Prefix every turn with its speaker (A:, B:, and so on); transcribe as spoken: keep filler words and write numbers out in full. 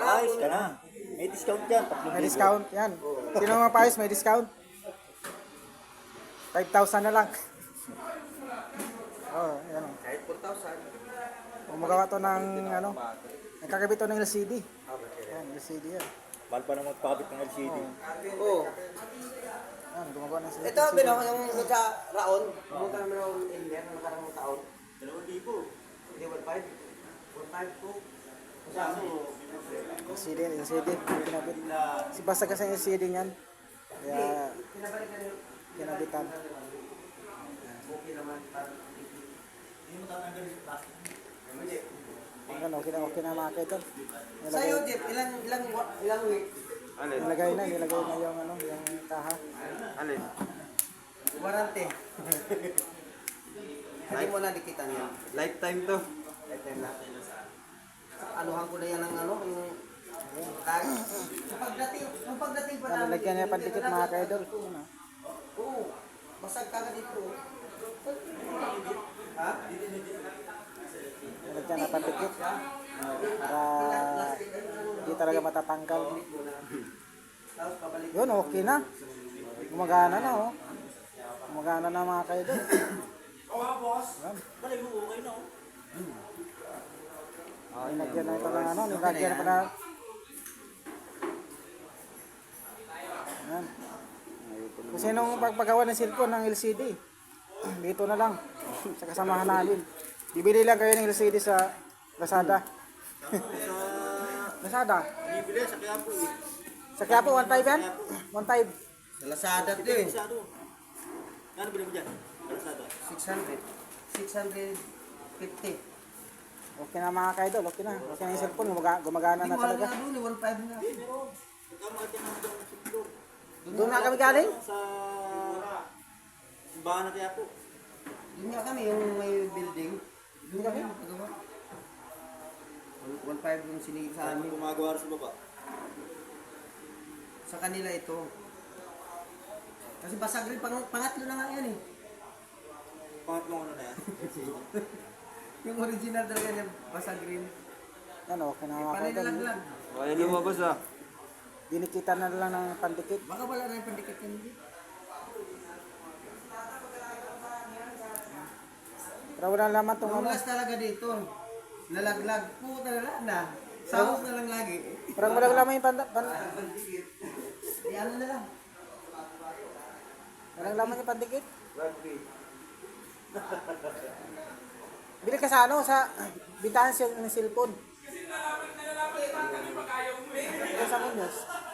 A: Ayos ka na. May discount yan.
B: May discount, yan. Sino mga paayos, may discount. five thousand na lang. Oh, yan.
C: Kahit four thousand.
B: Kung magawa to ng, ano, nakakabit to ng L C D. Yan, L C D yan.
A: Mahal pa na magpakabit ng L C D.
C: Oo.
B: Yan, gumagawa ng L C D.
C: Ito, Bino, yung sa Raon, pumunta namin ako ng India, ng nakarang taon.
A: Dalawang libo.
C: Hindi, one five. one five po. Kasama mo.
B: L C D, L C D. Kinabit. Si basta kasi yung L C D niyan. Kaya,
C: Pinabalik na nyo.
B: kinabitan.
C: Okay naman.
A: Hindi mo tatanggal yung plastic.
C: Hindi.
B: Ano, okay na, okay na mga kaidol.
C: Sa'yo, Jeff, ilang, ilang, ilang week?
B: Nilagay na, nilagay na yung, ano, yung kaha.
C: Alin? Warranty. Hindi mo na dikitan yan.
D: Lifetime to.
C: Lifetime na. Anuhan ko na yan ng ano, yung tag. Yung pagdating, yung pagdating pa
B: Yan,
C: namin.
B: nilagyan niya pandikit mga kaidol. Ano?
C: Oo. Basag kagad dito. Ha?
B: Nilagyan na pandikit. Para hindi talaga matatanggal.
C: Tapos pabalik.
B: Yun, okay na. Gumagana na, oh. Gumagana na mga kaidol.
A: Oo, boss.
B: Yan.
A: Balay mo, okay na. oh.
B: Oh, nilagyan na ito ng ano, nilagyan pa na. Yan. Kung sinong pagpagawa ng cellphone ng L C D, dito na lang. Sa kasamahan namin. Bibili lang kayo ng L C D sa Lazada. Lazada.
A: Bibili sa kaya po eh.
B: Sa kaya po, one five yan? one five.
C: Sa Lazada to eh.
A: Masyado. Ano bilhin mo dyan? Kalsada.
C: six hundred. six hundred fifty.
B: Okay na mga kaidol, okay na. Okay na yung cellphone, gumaga- gumagana
C: Hindi
B: na
C: mo alam
B: talaga.
C: nga doon, one five na.
A: Pagkamahal ka naman dyan sa Pindor.
B: Doon na kami galing?
A: Sa simbahan na kaya po.
C: Doon nga kami, yung may building. Doon kami magpagawa. one five yung sinigit sa
A: Ano
C: amin.
A: gumagawa rin sa baba?
C: Sa kanila ito. Kasi basag rin, pang, pangatlo na nga yan eh.
A: Pangatlong ano na yan?
C: Yung original talaga niya, basag rin.
B: Ano, okay na mga
C: Panay
B: kaidol.
C: nalaglag.
D: Kaya lumabas ah.
B: Dinikitan na lang ng pandikit.
C: Baka wala na yung pandikit yan. Hindi.
B: Pero wala naman itong ano.
C: Tumulas talaga dito. Nalaglag. Puta na lang na. Sahos na lang lagi.
B: Parang walang laman yung panda, pan,
C: Pandikit. Di ano na lang.
B: walang laman yung pandikit. Bili ka sa ano, sa bintahan siya ng cellphone. Kasi sa Muñoz.